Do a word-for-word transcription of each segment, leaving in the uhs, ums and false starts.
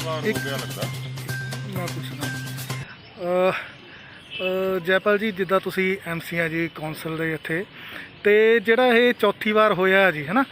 ਵਾਰ ਹੋ ਗਿਆ ਲੱਗਦਾ। ਮੈਂ ਪੁੱਛਦਾ ਜੈਪਾਲ ਜੀ, ਜਿੱਦਾਂ ਤੁਸੀਂ ਐਮ ਸੀ ਆ ਜੀ ਕੌਂਸਲ ਦੇ ਇੱਥੇ, ਤੇ ਜਿਹੜਾ ਇਹ ਚੌਥੀ ਵਾਰ ਹੋਇਆ ਜੀ ਹੈ ਨਾ,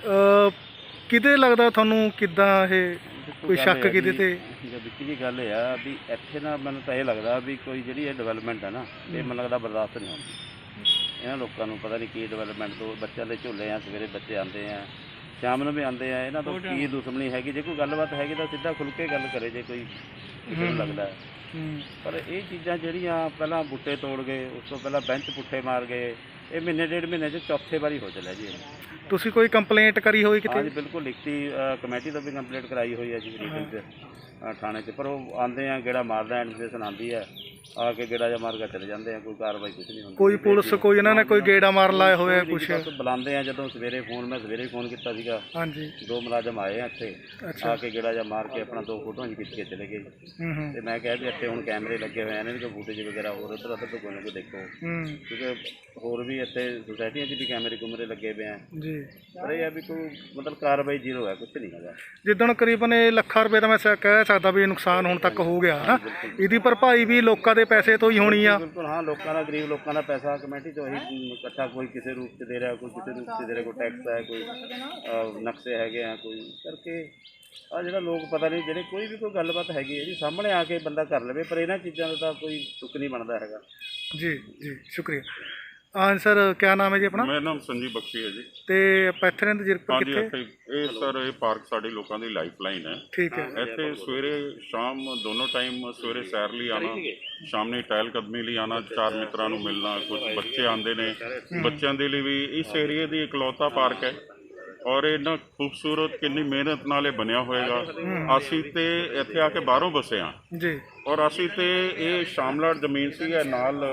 ਕਿਤੇ ਲੱਗਦਾ ਤੁਹਾਨੂੰ ਕਿੱਦਾਂ ਇਹ ਕੋਈ ਸ਼ੱਕ ਕਿਤੇ ਤੇ? ਵਿੱਕੀ ਜੀ ਗੱਲ ਇਹ ਆ ਵੀ ਇੱਥੇ ਨਾ ਮੈਨੂੰ ਤਾਂ ਇਹ ਲੱਗਦਾ ਵੀ ਕੋਈ ਜਿਹੜੀ ਇਹ ਡਿਵੈਲਪਮੈਂਟ ਹੈ ਨਾ, ਇਹ ਮੈਨੂੰ ਲੱਗਦਾ ਬਰਦਾਸ਼ਤ ਨਹੀਂ ਹੁੰਦੀ ਇਹਨਾਂ ਲੋਕਾਂ ਨੂੰ। ਪਤਾ ਨਹੀਂ ਕੀ ਡਿਵੈਲਪਮੈਂਟ ਤੋਂ ਬੱਚਿਆਂ ਦੇ ਝੂਲੇ ਆ, ਸਵੇਰੇ ਬੱਚੇ ਆਉਂਦੇ ਆ, ਸ਼ਾਮ ਨੂੰ ਵੀ ਆਉਂਦੇ ਆ, ਇਹਨਾਂ ਤੋਂ ਕੀ ਦੁਸ਼ਮਣੀ ਹੈਗੀ? ਜੇ ਕੋਈ ਗੱਲਬਾਤ ਹੈਗੀ ਤਾਂ ਸਿੱਧਾ ਖੁੱਲ੍ਹ ਕੇ ਗੱਲ ਕਰੇ ਜੇ ਕੋਈ ਕਿਸੇ ਨੂੰ ਲੱਗਦਾ। ਪਰ ਇਹ ਚੀਜ਼ਾਂ ਜਿਹੜੀਆਂ ਪਹਿਲਾਂ ਬੂਟੇ ਤੋੜ ਗਏ, ਉਸ ਤੋਂ ਪਹਿਲਾਂ ਬੈਂਚ ਪੁੱਠੇ ਮਾਰ ਗਏ, ਇਹ ਮਹੀਨੇ ਡੇਢ ਮਹੀਨੇ 'ਚ ਚੌਥੇ ਵਾਰੀ ਹੋ ਚੱਲਿਆ ਜੀ। ਤੁਸੀਂ ਕੋਈ ਕੰਪਲੇਂਟ ਕਰੀ ਹੋਈ ਕਿਤੇ? ਹਾਂਜੀ ਬਿਲਕੁਲ, ਲਿਖਤੀ ਕਮੇਟੀ ਤੋਂ ਵੀ ਕੰਪਲੇਂਟ ਕਰਾਈ ਹੋਈ ਹੈ ਜੀ ਰੀਜਨ 'ਚ, ਥਾਣੇ 'ਚ। ਪਰ ਉਹ ਆਉਂਦੇ ਆ, ਗੇੜਾ ਮਾਰਦਾ, ਐਡਮਿਨਿਸਟ੍ਰੇਸ਼ਨ ਆਉਂਦੀ ਹੈ, ਆ ਕੇ ਗੇੜਾ ਜਾਂ ਮਾਰ ਕੇ ਚਲੇ ਜਾਂਦੇ ਆ, ਕੋਈ ਕਾਰਵਾਈ ਕੁਛ ਨਹੀਂ ਹੁੰਦੀ। ਕੋਈ ਪੁਲਿਸ ਕੋਈ ਇਹਨਾਂ ਨੇ ਕੋਈ ਗੇੜਾ ਮਾਰ ਲਾਇਆ ਹੋਇਆ ਕੁਛ? ਬੁਲਾਉਂਦੇ ਆ ਜਦੋਂ ਸਵੇਰੇ ਫੋਨ, ਮੈਂ ਸਵੇਰੇ ਫੋਨ ਕੀਤਾ ਸੀਗਾ, ਹਾਂਜੀ ਦੋ ਮੁਲਾਜ਼ਮ ਆਏ ਆ ਇੱਥੇ, ਆ ਕੇ ਗੇੜਾ ਜਾਂ ਮਾਰ ਕੇ ਆਪਣਾ ਦੋ ਫੋਟੋਆਂ ਜੀ ਖਿੱਚ ਕੇ ਚਲੇ ਗਏ। ਤੇ ਮੈਂ ਕਿਹਾ ਵੀ ਇੱਥੇ ਹੁਣ ਕੈਮਰੇ ਲੱਗੇ ਹੋਏ ਆ, ਇਹਨਾਂ ਦੀ ਕੋਈ ਫੁਟੇਜ ਵਗੈਰਾ ਹੋਰ ਉੱਧਰ ਉੱਧਰ ਤੋਂ ਕੋਈ ਨਾ ਕੋਈ ਦੇਖੋ, ਕਿਉਂਕਿ ਹੋਰ ਵੀ ਇੱਥੇ ਸੁਸਾਇਟੀਆਂ 'ਚ ਵੀ ਕੈਮਰੇ ਕੁਮਰੇ ਲੱਗੇ ਪਏ ਆ ਜੀ। ਪਰ ਇਹ ਆ ਵੀ ਕੋਈ ਮਤਲਬ ਕਾਰਵਾਈ ਜ਼ੀਰੋ ਹੈ, ਕੁਛ ਨਹੀਂ ਹੈਗਾ। ਜਿੱਦਣ ਕਰੀਬਨ ਇਹ ਲੱਖਾਂ ਰੁਪਏ ਦਾ ਮੈਂ ਕਹਿ ਸਕਦਾ ਵੀ ਨੁਕਸਾਨ ਹੁਣ ਤੱਕ ਹੋ ਗਿਆ ਹੈ, ਇਹਦੀ ਭਰਪਾਈ ਵੀ ਲੋਕਾਂ ਦੇ ਪੈਸੇ ਤੋਂ ਹੀ ਹੋਣੀ ਆ। ਬਿਲਕੁਲ ਹਾਂ, ਲੋਕਾਂ ਦਾ, ਗਰੀਬ ਲੋਕਾਂ ਦਾ ਪੈਸਾ ਕਮੇਟੀ ਤੋਂ ਹੀ ਇਕੱਠਾ, ਕੋਈ ਕਿਸੇ ਰੂਪ 'ਚ ਦੇ ਰਿਹਾ, ਕੋਈ ਕਿਸੇ ਰੂਪ 'ਚ ਦੇ ਰਿਹਾ, ਕੋਈ ਟੈਕਸ ਹੈ, ਕੋਈ ਨਕਸ਼ੇ ਹੈਗੇ ਆ, ਕੋਈ ਕਰਕੇ ਆ ਜਿਹੜਾ ਲੋਕ ਪਤਾ ਨਹੀਂ, ਜਿਹੜੇ ਕੋਈ ਵੀ ਕੋਈ ਗੱਲਬਾਤ ਹੈਗੀ ਹੈ ਜੀ ਸਾਹਮਣੇ ਆ ਕੇ ਬੰਦਾ ਕਰ ਲਵੇ, ਪਰ ਇਹਨਾਂ ਚੀਜ਼ਾਂ ਦਾ ਤਾਂ ਕੋਈ ਤੁਕ ਨਹੀਂ ਬਣਦਾ ਹੈਗਾ ਜੀ। ਜੀ ਸ਼ੁਕਰੀਆ। ਹਾਂ ਸਰ, ਕਿਆ ਨਾਮ ਹੈ ਜੀ ਆਪਣਾ? ਮੇਰਾ ਨਾਮ ਸੰਜੀਵ ਬਖਸ਼ੀ ਹੈ ਜੀ। ਤੇ ਆਪਾਂ ਇੱਥੇ ਰਹਿੰਦੇ ਜੀਰਕਪੁਰ ਹਾਂਜੀ, ਕਿੱਥੇ? ਇੱਥੇ ਇਹ ਸਰ ਇਹ ਪਾਰਕ ਸਾਡੇ ਲੋਕਾਂ ਦੀ ਲਾਈਫ ਲਾਈਨ ਹੈ। ਠੀਕ ਹੈ। ਇੱਥੇ ਸਵੇਰੇ ਸ਼ਾਮ ਦੋਨੋਂ ਟਾਈਮ, ਸਵੇਰੇ ਸੈਰ ਲਈ ਆਉਣਾ, ਸ਼ਾਮ ਨੂੰ ਟਹਿਲ ਕਦਮੀ ਲਈ ਆਉਣਾ, ਚਾਰ ਮਿੱਤਰਾਂ ਨੂੰ ਮਿਲਣਾ, ਕੁਝ ਬੱਚੇ ਆਉਂਦੇ ਨੇ, ਬੱਚਿਆਂ ਦੇ ਲਈ ਵੀ ਇਸ ਏਰੀਏ ਦੀ ਇਕਲੌਤਾ ਪਾਰਕ ਹੈ। ਔਰ ਇੰਨਾ ਖੂਬਸੂਰਤ, ਕਿੰਨੀ ਮਿਹਨਤ ਨਾਲ ਇਹ ਬਣਿਆ ਹੋਏਗਾ। ਅਸੀਂ ਤੇ ਇੱਥੇ ਆ ਕੇ ਬਾਹਰੋਂ ਵਸੇ ਹਾਂ ਜੀ, ਔਰ ਅਸੀਂ ਤੇ ਇਹ ਸ਼ਾਮਲਾਟ ਜ਼ਮੀਨ ਸੀ, ਇਹ ਨਾਲ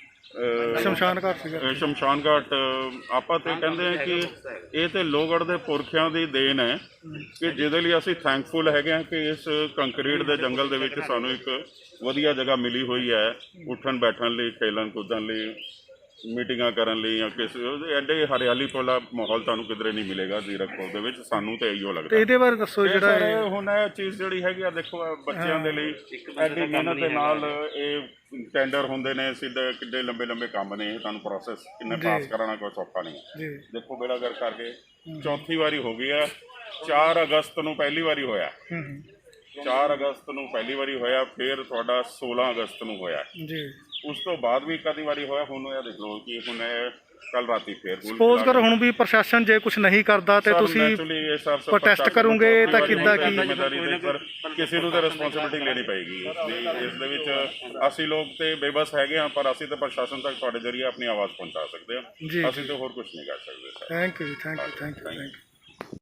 ਸ਼ਮਸ਼ਾਨ ਘਾਟ ਸੀਗਾ। ਸ਼ਮਸ਼ਾਨ ਘਾਟ ਆਪਾਂ ਤੇ ਕਹਿੰਦੇ ਆ ਕਿ ਇਹ ਤੇ ਲੋਹਗੜ੍ਹ ਦੇ ਪੁਰਖਿਆਂ ਦੀ ਦੇਣ ਹੈ, ਕਿ ਜਿਹਦੇ ਲਈ ਅਸੀਂ ਥੈਂਕਫੁਲ ਹੈਗੇ ਹਾਂ ਕਿ ਇਸ ਕੰਕਰੀਟ ਦੇ ਜੰਗਲ ਦੇ ਵਿੱਚ ਸਾਨੂੰ ਇੱਕ ਵਧੀਆ ਜਗ੍ਹਾ ਮਿਲੀ ਹੋਈ ਹੈ ਉੱਠਣ ਬੈਠਣ ਲਈ, ਖੇਲਣ ਕੁੱਦਣ ਲਈ, ਮੀਟਿੰਗਾਂ ਕਰਨ ਲਈ, ਜਾਂ ਕਿਸੇ ਐਡੇ ਹਰਿਆਲੀ ਵਾਲਾ ਮਾਹੌਲ ਤੁਹਾਨੂੰ ਕਿਧਰੇ ਨਹੀਂ ਮਿਲੇਗਾ ਜ਼ੀਰਕਪੁਰ ਦੇ ਵਿੱਚ। ਸਾਨੂੰ ਤਾਂ ਇਹੀਓ ਲੱਗਦਾ। ਇਹਦੇ ਬਾਰੇ ਦੱਸੋ ਜਿਹੜਾ ਹੁਣ ਇਹ ਚੀਜ਼ ਜਿਹੜੀ ਹੈਗੀ ਆ, ਦੇਖੋ ਬੱਚਿਆਂ ਦੇ ਲਈ ਐਡੀ ਮਿਹਨਤ ਦੇ ਨਾਲ ਇਹ ਟੈਂਡਰ ਹੁੰਦੇ ਨੇ, ਸਿੱਧੇ ਕਿੱਡੇ ਲੰਬੇ ਲੰਬੇ ਕੰਮ ਨੇ, ਇਹ ਤੁਹਾਨੂੰ ਪ੍ਰੋਸੈਸ ਕਿੰਨੇ ਪਾਸ ਕਰਾਉਣਾ ਕੋਈ ਸੌਖਾ ਨਹੀਂ ਹੈ। ਦੇਖੋ ਬੇੜਾ ਗਰ ਕਰਕੇ ਚੌਥੀ ਵਾਰੀ ਹੋ ਗਈ ਆ। ਚਾਰ ਅਗਸਤ ਨੂੰ ਪਹਿਲੀ ਵਾਰੀ ਹੋਇਆ, ਚਾਰ ਅਗਸਤ ਨੂੰ ਪਹਿਲੀ ਵਾਰੀ ਹੋਇਆ, ਫਿਰ ਤੁਹਾਡਾ ਸੋਲਾਂ ਅਗਸਤ ਨੂੰ ਹੋਇਆ ਜੀ। ਉਸ ਤੋਂ ਬਾਅਦ ਵੀ ਕਦੀ ਵਾਰੀ ਹੋਇਆ। ਹੁਣ ਇਹ ਦੇਖ ਲਓ ਕਿ ਹੁਣ ਕੱਲ ਰਾਤੀ ਫੇਰ ਸਪੋਜ਼ ਕਰ ਹੁਣ ਵੀ ਪ੍ਰਸ਼ਾਸਨ ਜੇ ਕੁਝ ਨਹੀਂ ਕਰਦਾ ਤੇ ਤੁਸੀਂ ਪ੍ਰੋਟੈਸਟ ਕਰੋਗੇ ਤਾਂ ਕਿੱਦਾਂ ਕੀ? ਕਿਸੇ ਨੂੰ ਤਾਂ ਰਿਸਪੌਂਸਿਬਿਲਿਟੀ ਲੈਣੀ ਪਏਗੀ ਇਸ ਦੇ ਵਿੱਚ। ਅਸੀਂ ਲੋਕ ਤੇ ਬੇਬਸ ਹੈਗੇ ਹਾਂ, ਪਰ ਅਸੀਂ ਤਾਂ ਪ੍ਰਸ਼ਾਸਨ ਤੱਕ ਤੁਹਾਡੇ ਜ਼ਰੀਏ ਆਪਣੀ ਆਵਾਜ਼ ਪਹੁੰਚਾ ਸਕਦੇ ਹਾਂ। ਅਸੀਂ ਤਾਂ ਹੋਰ ਕੁਝ ਨਹੀਂ ਕਰ ਸਕਦੇ। Thank you thank you thank you thank you.